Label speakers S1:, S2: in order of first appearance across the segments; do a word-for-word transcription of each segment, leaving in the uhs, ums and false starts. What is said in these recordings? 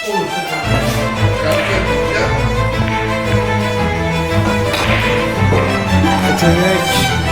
S1: Olursa kalkar.
S2: Yetenek.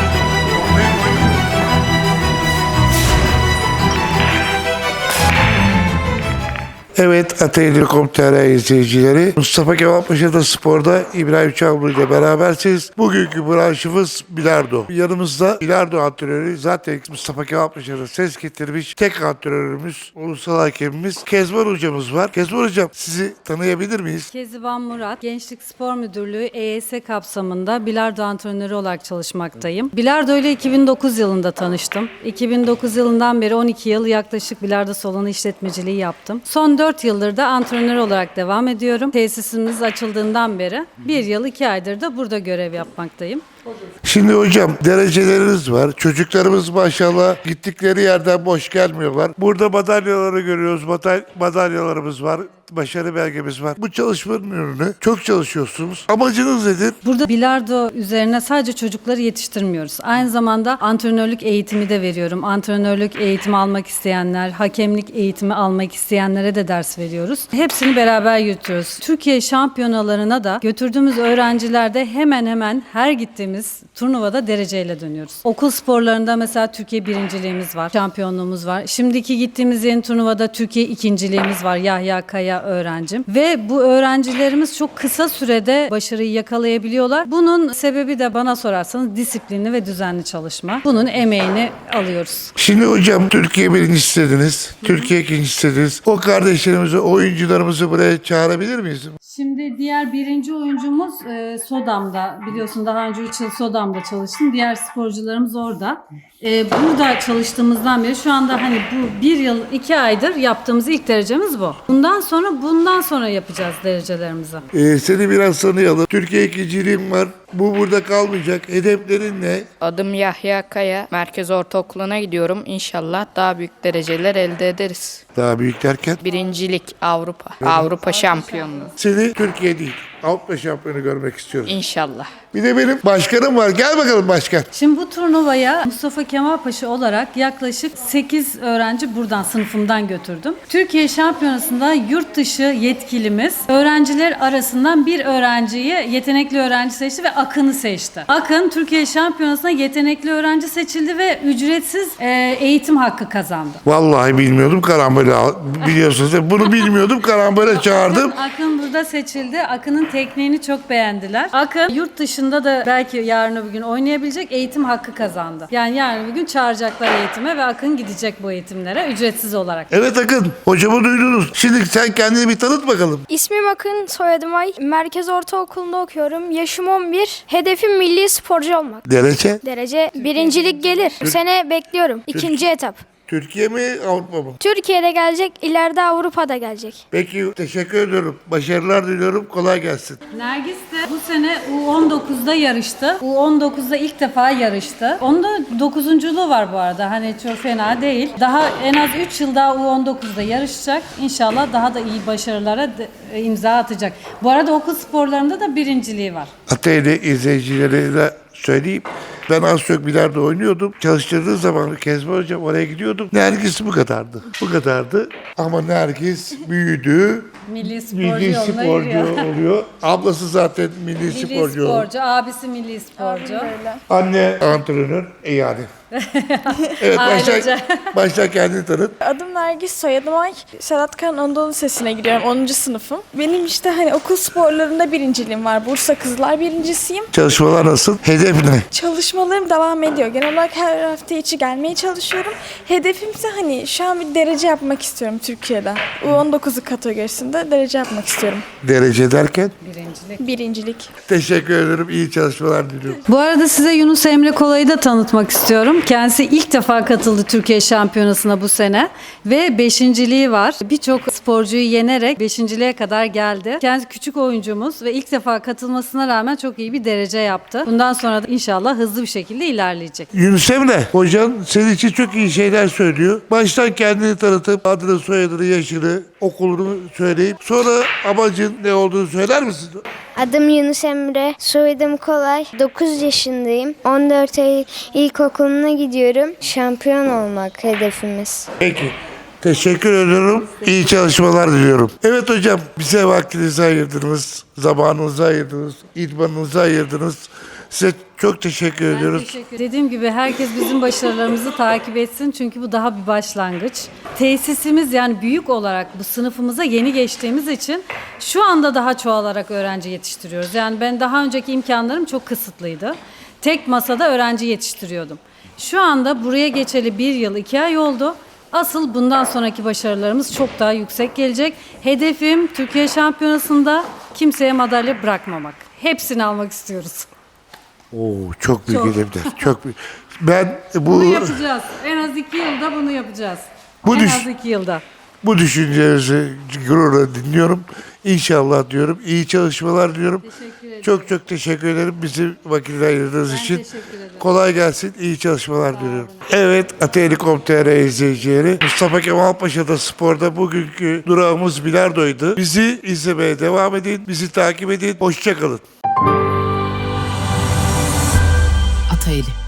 S1: Evet, Atölye nokta com nokta tr izleyicileri, Mustafa Kemal Paşa'da Spor'da İbrahim Çamlı ile berabersiniz. Bugünkü branşımız bilardo. Yanımızda bilardo antrenörü, zaten Mustafa Kemal Paşa'da ses getirmiş tek antrenörümüz, ulusal hakemimiz Kezban hocamız var. Kezban hocam, sizi tanıyabilir miyiz?
S3: Keziban Murat, Gençlik Spor Müdürlüğü E Y S kapsamında bilardo antrenörü olarak çalışmaktayım. Bilardo ile iki bin dokuz yılında tanıştım. iki bin dokuz yılından beri on iki yıl yaklaşık bilardo salonu işletmeciliği yaptım. Son dört yıldır da antrenör olarak devam ediyorum. Tesisimiz açıldığından beri bir yıl iki aydır da burada görev yapmaktayım.
S1: Şimdi hocam, dereceleriniz var. Çocuklarımız maşallah gittikleri yerden boş gelmiyorlar. Burada madalyaları görüyoruz. Madal madalyalarımız var. Başarı belgemiz var. Bu çalışmanın ürünü. Çok çalışıyorsunuz. Amacınız nedir?
S3: Burada bilardo üzerine sadece çocukları yetiştirmiyoruz. Aynı zamanda antrenörlük eğitimi de veriyorum. Antrenörlük eğitimi almak isteyenler, hakemlik eğitimi almak isteyenlere de ders veriyoruz. Hepsini beraber yürütüyoruz. Türkiye şampiyonalarına da götürdüğümüz öğrencilerde hemen hemen her gittiğimiz turnuvada dereceyle dönüyoruz. Okul sporlarında mesela Türkiye birinciliğimiz var, şampiyonluğumuz var. Şimdiki gittiğimiz yeni turnuvada Türkiye ikinciliğimiz var. Yahya Kaya öğrencim. Ve bu öğrencilerimiz çok kısa sürede başarıyı yakalayabiliyorlar. Bunun sebebi de bana sorarsanız disiplinli ve düzenli çalışma. Bunun emeğini alıyoruz.
S1: Şimdi hocam, Türkiye birinci dediniz. Türkiye ikinci dediniz. O kardeşlerimizi, oyuncularımızı buraya çağırabilir miyiz?
S3: Şimdi diğer birinci oyuncumuz e, Sodam'da. Biliyorsun daha önce üç yıl Sodam'da çalıştım. Diğer sporcularımız orada. E, burada çalıştığımızdan beri şu anda hani bu bir yıl iki aydır yaptığımız ilk derecemiz bu. Bundan sonra bundan sonra yapacağız derecelerimizi.
S1: Ee, seni biraz tanıyalım. Türkiye ikinciliğim var. Bu burada kalmayacak. Hedeflerin ne?
S4: Adım Yahya Kaya. Merkez Ortaokulu'na gidiyorum. İnşallah daha büyük dereceler elde ederiz.
S1: Daha büyük derken?
S4: Birincilik Avrupa. Avrupa şampiyonluğu.
S1: Seni Türkiye değil, Avrupa şampiyonu görmek istiyorum.
S4: İnşallah.
S1: Bir de benim başkanım var. Gel bakalım başkan.
S3: Şimdi bu turnuvaya Mustafa Kemal Paşa olarak yaklaşık sekiz öğrenci buradan sınıfımdan götürdüm. Türkiye Şampiyonası'nda yurt dışı yetkilimiz öğrenciler arasından bir öğrenciyi yetenekli öğrenci seçti ve Akın'ı seçti. Akın Türkiye Şampiyonası'na yetenekli öğrenci seçildi ve ücretsiz e, eğitim hakkı kazandı.
S1: Vallahi bilmiyordum, karambole al- biliyorsunuz. Bunu bilmiyordum, karambole çağırdım.
S3: Akın burada seçildi. Akın'ın tekniğini çok beğendiler. Akın yurt dışında da belki yarın öbür gün oynayabilecek eğitim hakkı kazandı. Yani yarın öbür gün çağıracaklar eğitime ve Akın gidecek bu eğitimlere ücretsiz olarak.
S1: Evet Akın, hocamı duydunuz. Şimdi sen kendini bir tanıt bakalım.
S5: İsmim Akın, soyadım Ay. Merkez Ortaokulu'nda okuyorum. Yaşım on bir. Hedefim milli sporcu olmak.
S1: Derece?
S5: Derece birincilik gelir. Bu sene bekliyorum. İkinci etap.
S1: Türkiye mi, Avrupa mı?
S5: Türkiye'de gelecek, ileride Avrupa'da gelecek.
S1: Peki, teşekkür ediyorum. Başarılar diliyorum. Kolay gelsin.
S3: Nergis de bu sene U on dokuzda yarıştı. U on dokuzda ilk defa yarıştı. Onda dokuzunculuğu var bu arada. Hani çok fena değil. Daha en az üç yıl daha U on dokuzda yarışacak. İnşallah daha da iyi başarılara de- imza atacak. Bu arada okul sporlarında da birinciliği var.
S1: Atölye izleyicilerine söyleyeyim. Ben az çok bilardo oynuyordum. Çalıştırdığı zaman Kezban hocam oraya gidiyordum. Nergis bu kadardı. Bu kadardı. Ama Nergis büyüdü.
S3: Milli sporcu
S1: Milli
S3: yoluna
S1: sporcu
S3: yürüyor.
S1: oluyor. Ablası zaten milli,
S3: Milli
S1: sporcu oldu.
S3: sporcu, abisi milli sporcu.
S1: Anne antrenör. E yani. Evet, başla,
S3: Ailece.
S1: başla kendini tanıt.
S6: Adım Nergis, soyadım Ay. Sedat Kan Anadolu Lisesi'ne gidiyorum, onuncu sınıfım. Benim işte hani okul sporlarında birinciliğim var. Bursa Kızlar birincisiyim.
S1: Çalışmalar nasıl? Hedef ne?
S6: Çalışmalarım devam ediyor. Genel olarak her hafta içi gelmeye çalışıyorum. Hedefimse hani şu an bir derece yapmak istiyorum Türkiye'de. U on dokuzu kategorisinde derece yapmak istiyorum.
S1: Derece derken?
S3: Birincilik.
S6: Birincilik.
S1: Teşekkür ederim. İyi çalışmalar diliyorum.
S3: Bu arada size Yunus Emre Kolay'ı da tanıtmak istiyorum. Kendisi ilk defa katıldı Türkiye Şampiyonası'na bu sene ve beşinciliği var. Birçok sporcuyu yenerek beşinciliğe kadar geldi. Kendisi küçük oyuncumuz ve ilk defa katılmasına rağmen çok iyi bir derece yaptı. Bundan sonra da inşallah hızlı bir şekilde ilerleyecek.
S1: Yunus Emre, hocan senin için çok iyi şeyler söylüyor. Baştan kendini tanıtıp adını, soyadını, yaşını, okulunu söyleyip sonra amacın ne olduğunu söyler misin?
S7: Adım Yunus Emre, soyadım Kolay. dokuz yaşındayım. on dört ay ilkokuluna gidiyorum. Şampiyon olmak hedefimiz.
S1: Peki. Teşekkür ediyorum. İyi çalışmalar diliyorum. Evet hocam, bize vaktinizi ayırdınız, zamanınızı ayırdınız, idmanınızı ayırdınız. Size çok teşekkür
S3: Ben
S1: ediyoruz.
S3: teşekkür Dediğim gibi herkes bizim başarılarımızı takip etsin çünkü bu daha bir başlangıç. Tesisimiz yani büyük olarak bu sınıfımıza yeni geçtiğimiz için şu anda daha çoğalarak öğrenci yetiştiriyoruz. Yani ben daha önceki imkanlarım çok kısıtlıydı. Tek masada öğrenci yetiştiriyordum. Şu anda buraya geçeli bir yıl iki ay oldu. Asıl bundan sonraki başarılarımız çok daha yüksek gelecek. Hedefim Türkiye Şampiyonası'nda kimseye madalya bırakmamak. Hepsini almak istiyoruz.
S1: Oo, çok büyük
S3: Çok.
S1: hedefler. Çok büyük. Ben bu
S3: Bunu yapacağız. En az iki yılda bunu yapacağız.
S1: Bu
S3: en
S1: düş-
S3: az iki yılda.
S1: bu düşüncelerinizi gururla dinliyorum. İnşallah diyorum. İyi çalışmalar diliyorum.
S3: Teşekkür ederim.
S1: Çok çok teşekkür ederim bizi vakit ayırdığınız
S3: Ben
S1: için.
S3: teşekkür ederim.
S1: Kolay gelsin. İyi çalışmalar diliyorum. Evet, Ateyli nokta com nokta tr izleyicileri. Mustafa Kemal Paşa'da sporda bugünkü durağımız bilardoydu. Bizi izlemeye devam edin. Bizi takip edin. Hoşça kalın.
S2: Atayeli.